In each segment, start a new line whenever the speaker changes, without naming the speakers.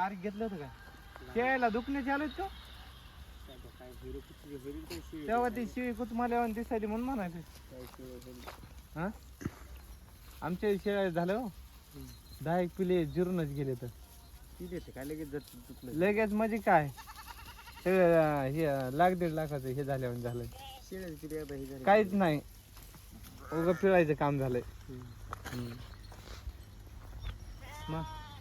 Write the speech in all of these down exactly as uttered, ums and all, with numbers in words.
तारीख घेतलं होतं का शेळ्याला दुखण्याचे आलोच का तेव्हा ती शिळी कुचमाल्यावर दिसायली म्हणून म्हणायचं हा आमच्या शेळ्या झालं हो दहा एक पिले जिरूनच गेले तर काय लगेच लगेच म्हणजे काय सगळं हे लाख दीड लाखाचं हे झाल्यावर झालंय काहीच नाही उगं पिळायचं काम झालंय मग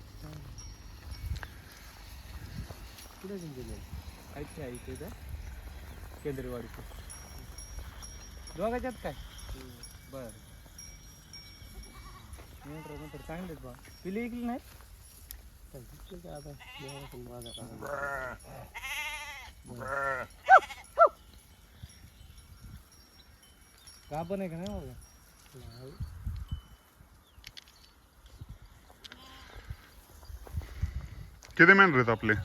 कुठे गेले ऐकते ऐकते का केंद्रवाडीचं दोघाच्यात काय बर नंतर चांगलेच बा पिली ऐकली नाही का पण आहे का नाही बाबा
किती मेंढर आहेत आपले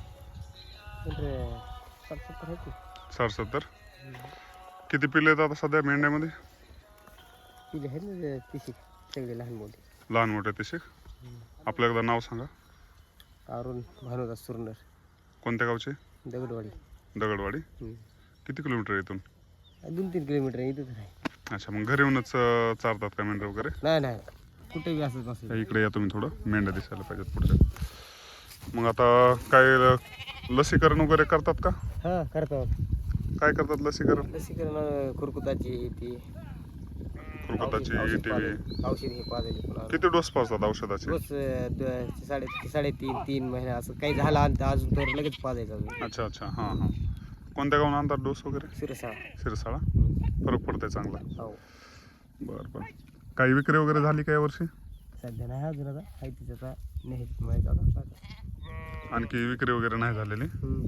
साठ सत्तर किती पिल्ले आहेत आता सध्या मेंढ्यामध्ये
पिले आहेत ना तिशी सगळे लहान मोठे
लहान मोठे तसे आपलं एकदा नाव सांगा
अरुण भानुदास सुरनर
कोणत्या गावचे
दगडवाडी
दगडवाडी किती किलोमीटर इथून
दोन तीन किलोमीटर इथंच आहे
अच्छा मग घरी येऊनच अं, चारतात का मेंढर वगैरे
नाही नाही कुठे बी असंच नसेल
इकडे या तुम्ही थोडं मेंढ्या दिसायला पाहिजेत पुढच्या मग आता काय लसीकरण वगैरे करतात का
हां करतो
काय करतात लसीकरण
लसीकरण खुरकुताची ती
खुरकुताची टीव्ही
औषध हे पाजायची पुन्हा
किती डोस पाजतात औषधाचे
रोज द- साडे साडेतीन तीन महिने असं काही झालं आणि अजून तर लगेच पाजायचं अजून
अच्छा अच्छा हां हां कोणत्या गावून आणतात डोस वगैरे
शिरसा
शिरसाळा फरक पडतंय चांगला
हो
बरं बरं काही विक्री वगैरे झाली का यावर्षी
सध्या नाही अजून आता आहे तिचा नाही माहीत आता
आणखी विक्री वगैरे नाही झालेली
हम्म.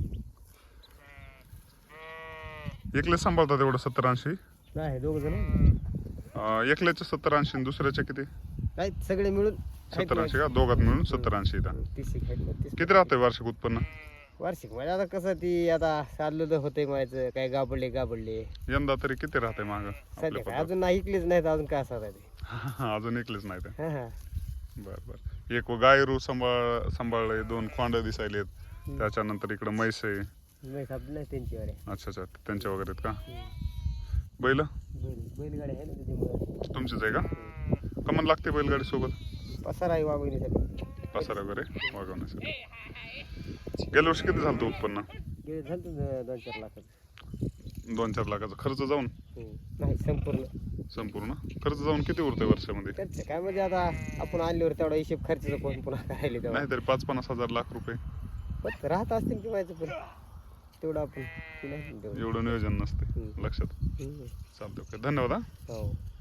एकले सांभाळतात एवढं सत्तर ऐंशी
नाही दोघ जण
अं, एकल्याचे सत्तर ऐंशी आणि दुसऱ्याचे किती
काय सगळे मिळून
सत्तर ऐंशी का दोघात मिळून सत्तर ऐंशी इथं
तीस एक आहेत ना, तीस
किती राहतंय वार्षिक उत्पन्न
वार्षिक म्हणजे आता कसं ती आता चाललं तर होतंय म्हणायचं काय गाबडले गाबडले
यंदा तरी किती राहतंय माग
सध्या काय अजून नाही ऐकलेच नाहीत अजून काय असं ते
अजून एकलेच नाही ते
हां हां
बर बर एक गायरू सांभाळ सांभाळले दोन खोंड दिसायलेत त्याच्यानंतर इकडं म्हैस आहे
नाही सापडलं नाही त्यांच्यावर आहे.
अच्छा अच्छा त्यांच्या वगैरे आहेत का बैल
बैल बैलगाडी आहे ना त्याच्यामुळे
तुमचीच आहे का कमन लागते बैलगाडी सोबत
पसारा आहे वागवण्यासाठी
पसारा वगैरे वागवण्यासाठी गेल्या वर्षी किती झालं उत्पन्न
गेले झालं होतं दोन चार लाखाचं
दोन चार लाखाचा खर्च जाऊन
नाही संपूर्ण
संपूर्ण खर्च जाऊन किती उरतंय वर्षामध्ये
खर्च काय म्हणजे आता आपण आणल्यावर तेवढा हिशेब खर्चाचा कोण पुन्हा करायला तेव्हा
नाही तरी पाच पन्नास हजार लाख रुपये
पण राहत असतील की व्हायचं पण तेवढं आपण ते नाही तेवढं
एवढं नियोजन नसते
हम्म.
लक्षात
हम्म.
चालतं ओके धन्यवाद हा
हो